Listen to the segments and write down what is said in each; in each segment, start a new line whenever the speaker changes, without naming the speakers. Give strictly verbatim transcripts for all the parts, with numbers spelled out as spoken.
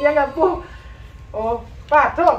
ยังกับปูโอ้ป้าโทษ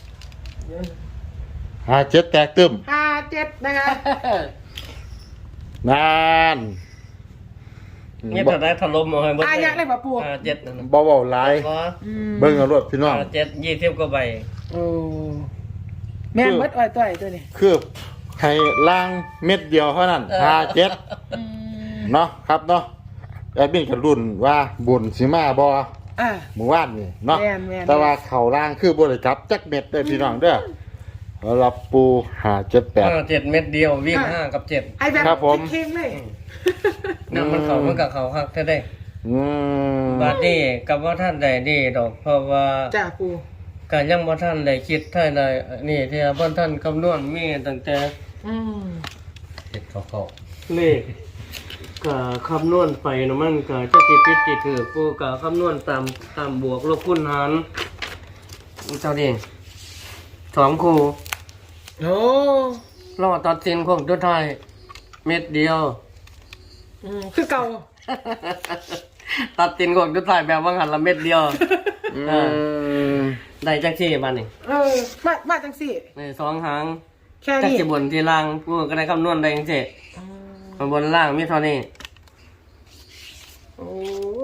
ห้าเจ็ดแตกตึม
ห้าเจ็ดนะคะ
นาน
นี่ถ้าได้ถล่มเอาให้เบิ่ง
อายักเลยป่ะปู
ห้าเจ็ดนั่นน่ะ
บ่เว้าหลายเบิ่งเอารถพี่น้อง
ห้าเจ็ดยี่สิบกว่าใบ
โอ้แม่นเบิดอ้อยต้อยตัวนี้
คือให้ล่างเม็ดเดียวเท่านั้นห้าเจ็ดเนาะครับเนาะแอดมินก็รุ่นว่าบุญสิมาบ่
อ่า
หมู่บ้านนี่เนาะ
แม่นแม่น
แต่ว่าเข้าล่างคือบ่ได้จับจักเม็ดเด้อพี่น้องเด้อรับปูห้าเจ็ดแปด
ห้าเจ็ดเม็ดเดียววิ่งห้ากับเจ็ด
ไอ้แบบ
ครับผม
เค็งๆเลย
เนี่ยมันเขามันกับเขาคักแท้ได้
อืม
บาดนี้กับว่าท่านใดดีดอกเพราะว่า
จ้าปู
การยังบ่ท่านได้คิดท่านใดนี่ที่บ่ท่านคำนวณมีตั้งแต่
อืม
เฮ็ดเขาๆเลขก็คำนวณไปเนาะมันก็จะสิผิดสิถูกผู้ก็คำนวณตามตามบวกลบคูณหารเจ้านี่สองคู่
โอ้
รอตัดสินของตัวไทยเม็ดเดียว
อืมคือเก่า
ตัดสินของตัวไทยแบบว่าหันละเม็ดเดียว
อื
เออ
ม
ได้จังซี่บัดนี้
เออมามาจังสี่
นี่สองหาง
แค่
จัก
นี้
สิบนที่ล่างผู้ก็ได้คำนวณได้จังซี่
อืม
ข้างบนล่างมีเท่านี้
โอ้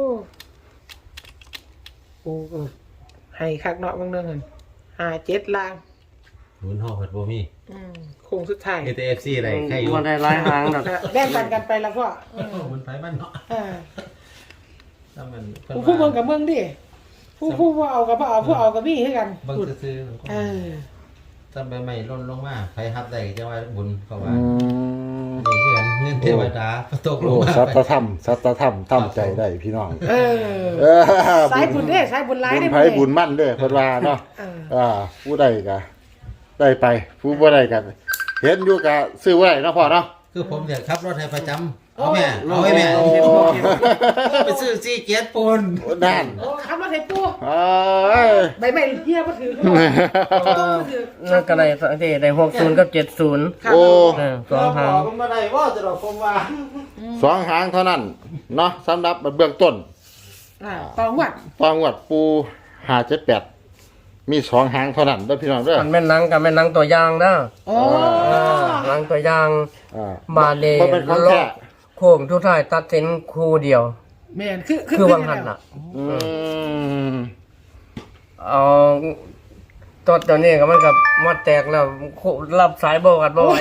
โอ้เออให้คักเนาะบางเรื่องเงินห้าเจ็ดล่าง
หมุนห่อเปิดโบมี่
อืมโค้งสุดท้าย
เอเอฟซีอะไรใครอยู่
บ่ได้หลายหางดอก
แบ่งปันกันไปแล้วพ่อเออ
มันไปบ้านเนาะ
อ่า
ถ้ามัน
ผู้ผู้เมืองกับเมืองดิผู้ผู้ว่าเอากับผู้เอาผู้เอากับพี่ให้กัน
บางซื้อ
เออ
ๆถ้าใบใหม่ล่นลงมาใครฮับได้จะว่าบุญเขาว่า
อืม
นี่คือเงินเทวดาตกล
โอ้
งมา
สัตธรรมสัตธรรมทำใจได้พี่น้อง
เออ
เออ
สายบุญเด้สายบุญร้าย
บุ
เด้
ญไผบุญมั่นเด้อเพิ่นว่าเนาะ
เออ
อ่าผู้ใดก็ได้ไปผู้บ่ได้ก็เห็นอยู่ก็ซื้อไว้เนาะพ่อเนาะ
คือผมเนี่ยขับรถให้ประจำเอาแม่เอาให้แม่ไปซื้อซีเกียร์ปูน
โอ้นั่น
โอ้ขับรถให้ปู
เอ้ย
ใบไม้เฮียบ่ถือ
นั่นก็ได้สังเกตได้หกศูนย์กับเจ็ดศูนย์
โอ้
เออสองหาง
ผมมาได้ว่าจะดอกผมว่า
สองหางเท่านั้นเนาะสำหรับเบื้องต้น
อ่าตองวัด
ตองวัดปูห้าเจ็ดแปดมีสองหางเท่านั้นเด้อพี่น้องเด้อ
มันแม่นหนังกับแม่นหนังตัวอย่างนะ
โอ้
เออหนังตัวอย่าง
อ่า
บาเล
บ่เป็นของแท้
โค้งทุกท้ายตัดสินคู่เดียว
แม่นคือ
คือวังหันน่ะ
อืม
เอาตัวตัวนี้ก็มันกับมัดแตกแล้วรับสายโบกันบ่ไหว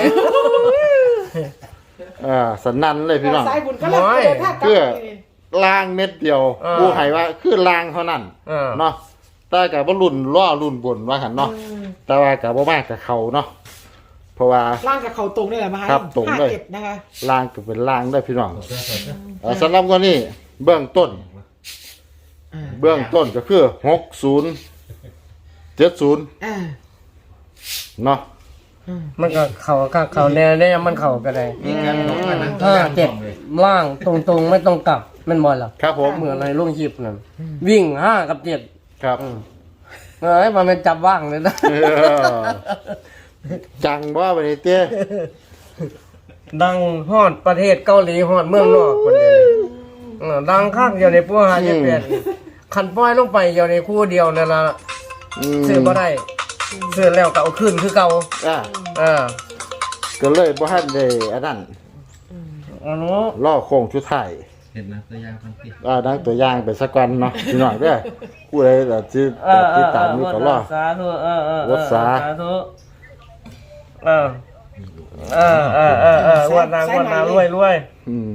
อ่าสนั่นเลยพี่น้อง
สายบุญก็แล้วเดินทางกลับ
เพื่อ
ไปนี่
ล่างเม็ดเดียวปูให้ว่าคือล่างเท่านั้น
เออ
เนาะแต่กับว่ารุ่นล่อรุ่นบนว่าหันเนาะ
อืม
แต่ว่ากับว่ามากกับเขาเนาะเพราะว่า
ร่างกับเขาตรงนี่แหละมาให้
ครับตรงเลย
ห้าเจ็ดนะคะ
ล่างก็เป็นล่างได้อพี่น้องเอ่อสำหรับวันนี้เบื้องต้น
อ่า
เบื้องต้นก็คือหกศูนย์เจ็ดศูนย์
อ่า
เนาะ
อืม
มันก็เข่าก็เข่าแนวเนี่ยมันเข่าก็ได้
มีการลงมานั่ง
ห้าเจ็ดล่างตรงๆไม่ต้องกลับแมันบอลหรอ
ครับผม
เหมือนอะไรลุงชิปนั่นวิ่งห้ากับเจ็ด
ครับ
อืมเอ้ยมันเป็นจับว่างเลยนะ
เออจังว่าวันนี้เต้
ดังฮอดประเทศเกาหลีฮอดเมืองนอกคนเดียวนี่เออดังข้างเดียวในพวกหาเจ็ดแปดขันป้อยลงไปเดียวในคู่เดียวนั่นละ
ม
ซื้อบ่ได้ซื้อแล้วก็เอาขึ้นคือเก่า
อ่า
เออ
ก็เลยบ่ทันได้อันนั้น
อันนู้
ล่อโค้งชุดไทาย
เห็นนะตัวอย่างมันติด
อ่าดังตัวอย่างไปสักวันเนาะพี่น้องเด้อผู้ใดแบบที่
เออเอ
ที่
อ
ตามนี้ก็รอ
สาธุเออเออเออ
วัดสา
ธุเออเออเออเออเออวันนางวันนางรวยรวย
อืม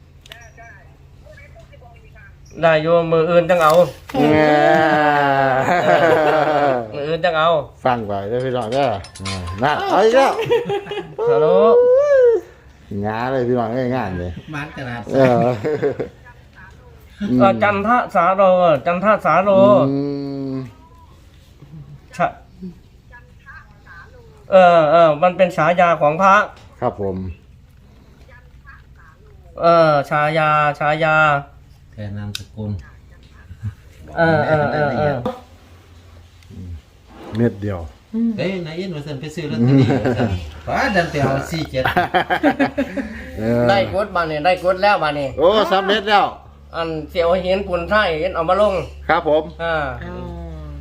ได้โยมมืออื่นจังเอา
แง่
มืออื่นจังเอา
ฟังไปเด้อพี่น้องเด้ออ่านั่นเอาอีกแล้ว
ฮัลโหล
งาเลยพี่น้องง่ายๆเลย
มันขนาด
เอออืม
เออจันทสาโรจันทสาโร
อืม
ชะเออเออมันเป็นฉายาของพระ
ครับผม
เออฉายาฉายา
แทนนามสกุล
เออเออเออเออ
เม็ดเดียว
เฮ้ยนายยินว่าสันไปซื้อลอตเตอรี่ว่าสันฟ้าดันไปเอาซีเจ็ด
เออ
ได้กดบานนี่ได้กดแล้วบานนี่
โอ้สำเร็จแล้ว
อันเสียวเห็นปุ่นไทยเห็นเอามาลง
ครับผม
อ่า
อ๋อ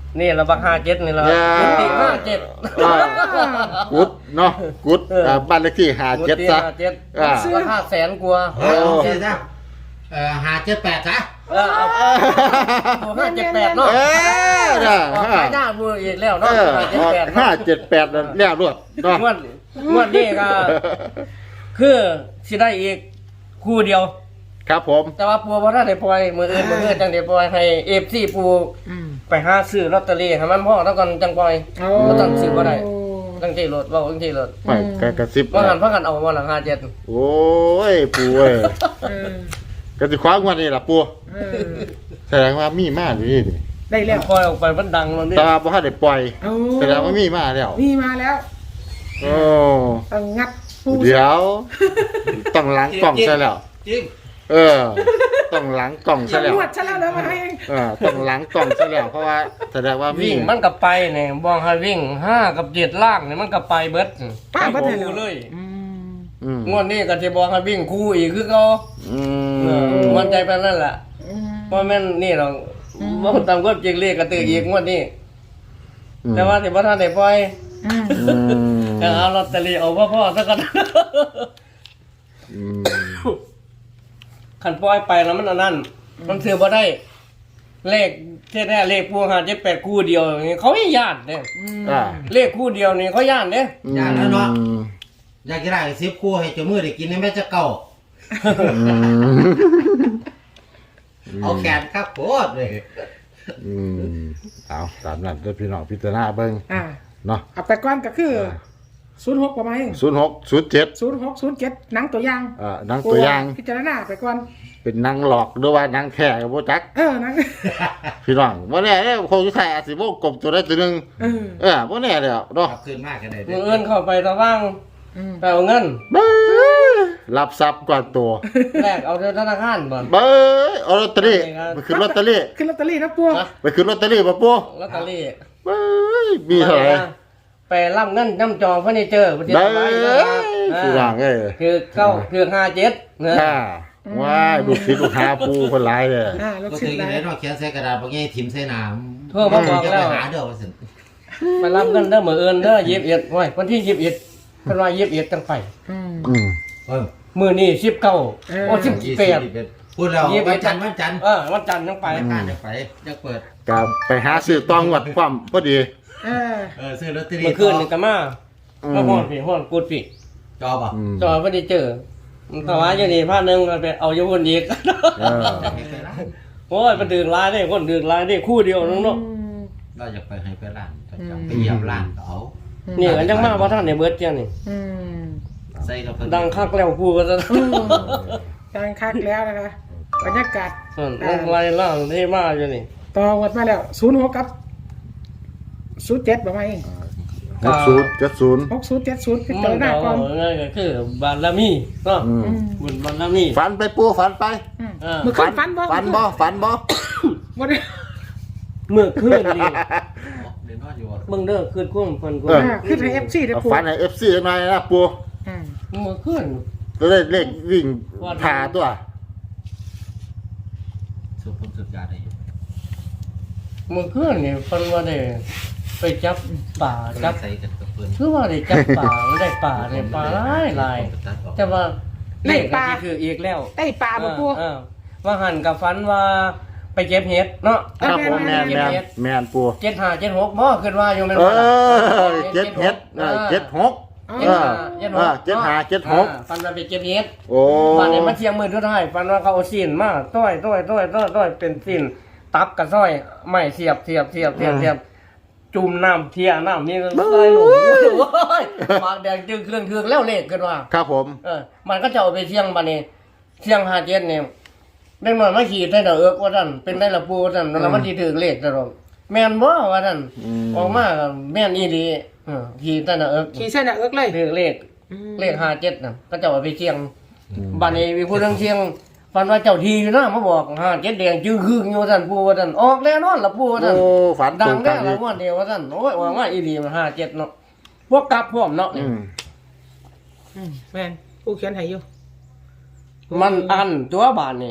นี่ละบักห้าเจ็ดนี่ละกุฏิห้าเจ็ด
อ่ากุดเนาะกุดอ่าบ้านเลขที่ห้า
กุ
เจ็ด
ฏิ
ซะ
ห้าเจ็ด
อ่า
ราคาแสนกว่า
เออเอาสิจ้ะเอ่อหาเจ็ดแปดจ้ะ
เออเอาห้าเจ็ดแปดเนาะ
เออน่ะ
ออก
ห้า
ขายหน้ามืออีกแล้ว
เอ
เนาะ
อ
ห้าเจ็ดแปด
ห้าเจ็ดแปดนั่นแล้วรวดเนาะ
งวดงวดนี้ก็คือสิได้อีกคู่เดียว
ครับผม
แต่ว่าปูบ่ทันได้ปล่อยมืออื่นมืออื่นจังได้ปล่อยให้ เอฟ ซี ปู
อืม
ไปหาซื้อลอตเตอรี่ให้มันพอแล้วก่อนจังปล่อย
โอ้
บ่ต้องซื้อบ่ได้จังที่รถเว้าจังที่รถ
ไปกระกระซิบ
ว่าหันพากันเอาว่าหลังห้าเจ็ด
โอ้ยปูเอ้ย
เออก
ระสิคว้างวันนี้ล่ะปู
เออ
แสดงว่ามีมาอยู่นี่ดิ
ได้แล้ว
ปล่อยออกไปมันดังแล้วนี่
แต่ว่าบ่ทันได้ปล่อย
เอา
แสดงว่ามีมาแล้ว
นี่มาแล้ว
โอ้
ต้องงัดปู
เดี๋ยวต้องล้างกล่องซะแล้ว
จริง
เออ ต้องล้างกล่องซะแล้ว
นวดซะแล้วแล้วมาให้
เออต้องล้างกล่องซะแล้วเพราะว่าแสดงว่ามี
วิ่งมันก็ไปเนี่ยบอกให้วิ่งห้ากับเจ็ดล่างเนี่ยมันก็ไปเบิด
ป้าบ่ได้
คู่
แล้ว
เลย
อืม
อืม
งวดนี้ก็จะบอกให้วิ่งคู่อีกคือเขา
อื
เออ
ม
มันใจไปนั่นแหละ
อืม
ว่าแม่นนี่หรอกว่าตามก็เจงเลขกระตืออีกงวดนี้แต่ว่าที่ว่าท่านได้ปล่อย
อืม
อืม
แต่เอาลอตเตอรี่เอาพ่อพ่อๆซะก่อน
อืม
ขันปล่อยไปแล้วมันอันนั้นมันถือว่าได้ เลขแค่แน่เลขพวงหาเจ็ดแปดคู่เดียวอย่างงี้เขาไม่ย่านเนี่ย
อ่า
เลขคู่เดียวนี่เขาย่านเนี่ย
อย่างนั้นเนาะอยากจะได้สิบคู่ให้เจ้ามือได้กินในแม่จะเก่า
อืม
เอาแขนครับโคตรเลย
อืมเอาตามนั้นเด้อพี่น้องพิจารณาเบิ่ง
อ่า
เนาะ
เอาไปก่อนก็คือศูนย์หกประมาณนี้
ศูนย์หกศูนย์เจ็ด
ศูนย์หกศูนย์เจ็ดหนังตัวอย่าง
อ่าหนังตัวอย่าง
พิจารณาไปก่อน
เป็นหนังหลอกหรือว่าหนังแท้กับโบจัก
เออหนัง
พี่น้องว่าแน่เนี่ยคงจะใส่อาจสิโบกบตัวได้ตัวหนึง
เออ
เออว่าแน่เลยเนาะ
กลับคืนมากกันเลย
มือเอื้อนเข้าไปตะว่าง
อืม
ไปเอาเงิน
เบ้อรับทรัพย์กว่าตัว
แรกเอาธนาคารบ่อน
เบ้อเอาลอตเตอรี่ไปขึ้นลอตเตอรี่
ขึ้นลอตเตอรี่นะปัว
นะ
ไปขึ้นลอตเตอรี่ป่ะปู
ลอตเตอรี่
เบ้อมีเท่าไหร่
ไปรับเงินน้ำจองเฟอร์นิเจอร์ประเทศ
เบ้อ
ไทยนะ
พี่น้องเอ้ย
คือเก้าคือห้าเจ็ดเนอะ
อ่าว้ายลูกศิษย์ลูกหาปูคนร้ายเลย
อ่าลูก
ก็
ศิ
ถื
ษ
อ
ย์
ยัง
ได้
ไงเนาะเขียนใส่กระดาษบางอย่างทิมใส่น้ำ
โทรมาบอก
จะ
แล้
ไป
ว
หาเด้อว่าสิ
ไปรับเงินเด้อมือเอื้อนเด้อยิบเอ็ดไว้วันที่ยิบเอ็ดเป็นวันยิบเอ็ดจังไป
อืม
อืม
เออ
มือนี่สิบเก้า
เออ
โอ้สิบแปด
พูดแล้ววันจันทร์วันจันทร์
เออวันจันทร์จังไป
ไปข้านจะไปจะเปิด
กับไปหาซื้อตองวัดความพอดี
เออ
เออซื้อลอตเตอรี่
เมื่อคืนนี่ก็มา
อืม
แล้วห้อนพี่ห้อนกูดพี่
จอป่ะ
อืม
จอยไม่ได้เจอมันถวายอยู่นี่ผ้าหนึ่งก็ไปเอาอยู่คนอีก
เออ
ให้ไปร้าน
โอ้ยมันดื่นร้ายได้คนดื่นร้ายได้คู่เดียวนึงเนาะ
เราอยากไปให้ไปร้านก็จะไปเยี่ยมร้านก็เอา
นี่กันจังมาเพราะท่านในเบิร์ดเจ้านี่
อืม
ใส่เราก็
ดังคักแล้วพูก็จะ
ดังคักแล้วนะคะบรรยากาศ
ส่วนอะไรล่างที่มาอยู่นี่
ต่อวัดมาแล้วศูนย์หกกับศูนย์เจ็ดประมาณนี้
หกศูนย์เจ็ดศูนย์
หกศูนย์เจ็ดศูนย์พิ
มั
จาน รณา
ก็
ก่อน
ง่ายก็คือบารมีเนาะ
อืม
อืม
บุญบารมี
ฝันไปปูฝันไป
อืม
เออ
เมื่อคืนฝันบ่
ฝันบ่ฝันบ่
บ่ได้
เมื่อคืนนี่
เดินนอนอยู่อ่ะ
มึงเด้อคืนคุ้มฟันกู
อ่าขึ้นให้เอฟซีได้
เอา
ปู
ฝันให้เอฟซีหน่อยนะปู
อืม
เมื่อคืน
จะได้เลขวิ่งพาตัว
สุดผมสุดยาได้อยู่
เมื่อคืนนี่ฟันว่าได้ไปจับป่าจั
จั
บบ
ใส่กันกับปืน
คือว่าได้จับป่าไม่ได้ป่าเนี่ยป่าหลายหลายแต่ว่าเลขก็คืออีกแล้ว
ได้ปลาบ่ปู
เออว่าหันกับฟันว่าไปเก็บเห็ดเนาะ
ครับผมแมนแมนแมนปู
เจ็ดห้าเจ็ดหกบ่ขึ้นว่าอยู่แม่น
เอ
บ่ล่ะ
อเจ็ดเฮ็ดเออเจ็ดหก
เจ็ดห้าเจ็ดห
เอก อเจ็ดห้าเจ็ดหก
อ่าฟันว่าไปเก็บเห็ด
โอ้
ฟันเนี่ยมาเทียงมือทุกท่ายฟันว่าเขาเอาซีนมาต้อยต้อยต้อยต้อยต้อยเป็นซีนตับกับซ้อยไม่เสียบเสียบเสียบเสียบเสียบจุ่มน้ำเทียน้ำนี่ก็ใส่หนูโอ้ยหมากแดงจึงเครื่องเครื่องแล้วเลขขึ้นว่า
ครับผม
เออ มันก็จะเอาไปเที่ยงบันนี้เที่ยงหาเจ็ดเนี่ยเด็กน้อยมาขี่ได้ดอกเอิกว่าท่านเป็นได้ละปูว่าท่านแล้วมันที่ถือเลขตลอดแม่นบ่ว่าท่านออกมาก็แม่นอีดีเออขี่ได้ดอกเอิก
ขี่เส้นน่ะเอิกเลย
ถือเลขเลขหาเจ็ดน่ะก็จะเอาไปเที่ยงบันนี้มีผู้เรื่องเที่ยงฟันว่าเจ้าทีอยู่นะมาบอกหาเจ็ดแดงจื้อคึงอยู่ท่านปูว่าท่านออกแล้วนอนละปูว่าท่าน
โอ้ฝัน
ดั
ตรง ง
แน่
กัน
ละ
อีก
งวดเดียวว่าท่านโอ้ยว่ามาอีดีมันหาเจ็ดเนาะพวกกลับพร้อมเนาะ
อืม
อืมแม่นปูเขียนให้อยู่
มันอันตัวบานนี่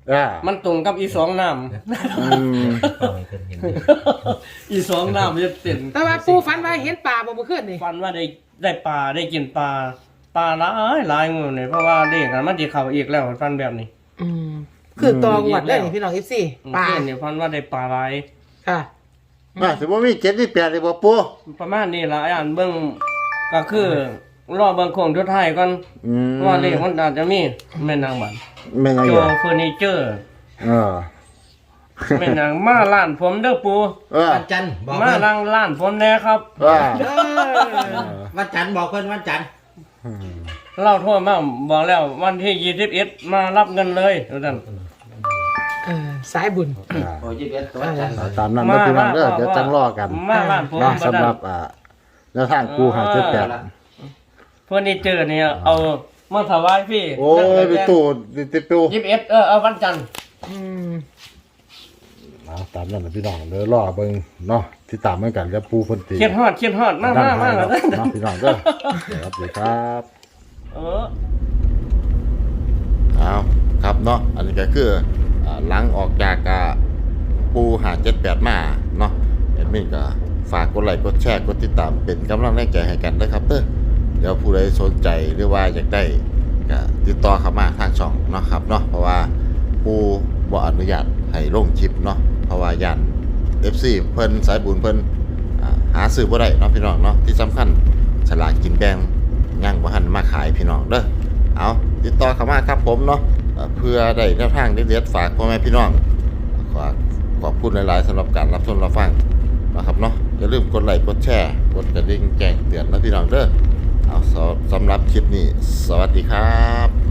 อ่า
มันตรงกับอีสองน้
อืม
เอาให้เพิ่นเห็นเลย
ำ อีสองน้ำจะเต็ม
แต่ว่าปูฝันว่าเห็นป่าบ่เมื่อคืนนี่
ฟันว่าได้ได้ปลาได้กินปลาปลาหลายหลายงูเนี่ยเพราะว่าเด็กมันจะเข้าอีกแล้วฟันแบบนี้
อืมคือตองวดได้นี่พี่น้อง เอฟ ซี ป่า
เพื่อนเนี่ยฟันว่าได้ปลาหลาย
ค่ะ
ว่าสิบ่มีเจ็ดมีแปดเลยบ่ปู
ประมาณนี้ละอันเบิ่งก็คือรอเบิ่งโคงทุดท้ายก่อน
อืม
ว่าเลขมันอาจจะมีแม่นางบัน
แม่นยัง
โจ
อยู่
เฟอร์นิเจอร์
เออ
แม่นางมาร้านผมเด้อปู
เออ
วันจันทร์บอก
มา
เพิ่น
ร้านร้านผมแน่ครับ
ว่า
เออ
วันจันทร์บอกเพิ่นวันจันทร์
เล่าโทั่วมาบอกแล้ววันที่ยี่สิบเอ็ดมารับเงินเลยทุกท่าน
เออสายบุญ
โอ้ยยี่สิบเอ็ดก็วันจันทร์
ตามนั้นนะพี่น้องเด้อเดี๋ยวจังรอกัน
มาร้านผม
เนาะ
บ่
สำห
ได้
รับอ่าแนวทางกูหาเจ็ดแปด
เฟอร์นิเจอร์เนี่ยเอามาถวายพี่
โอ้ยไปตู้ติดตู้
ยี่สิบเอ็ดเออเอาวันจันทร์
อืม
เอาตามนั้นนะพี่น้องเดี๋ยวรอเบิ่งเนาะที่ตามเหมือนกันกับปูเพิ่นตี
เขียนฮอดเขียนฮอดมา
ด้
มา
ไท
มาย
เนาะเนาะพี่น้องเด้อเดี๋ยวครับสวัสดีครับ
เออ
เอาครับเนาะอันนี้ก็คืออ่าหลังออกจากอ่าปูหาเจ็ดแปดมาเนาะแอดมินก็ฝากกดไลค์กดแชร์กดติดตามเป็นกำลังแรงใจให้กันด้วยครับเด้อเดี๋ยวผู้ใดสนใจหรือว่าอยากได้ก็ติดต่อเข้ามาทางช่องเนาะครับเนาะเพราะว่าปูบ่อนุญาตให้ลงคลิปเนาะเพราะว่าย่าน เอฟ ซี เพิ่นสายบุญเพิ่นอ่าหาซื้อบ่ได้เนาะพี่น้องเนาะที่สำคัญฉลากกินแบ่งยังบ่ทันมาขายพี่น้องเด้อเอาติดต่อเข้ามาครับผมเนาะเอ่อเพื่อได้แนวทางเด็ดๆฝากพ่อแม่พี่น้องขอขอบคุณหลายๆสำหรับการรับชมรับฟังนะครับเนาะอย่าลืมกดไลค์กดแชร์กดกระดิ่งแจ้งเตือนนะพี่น้องเด้อเอาสำหรับคลิปนี้สวัสดีครับ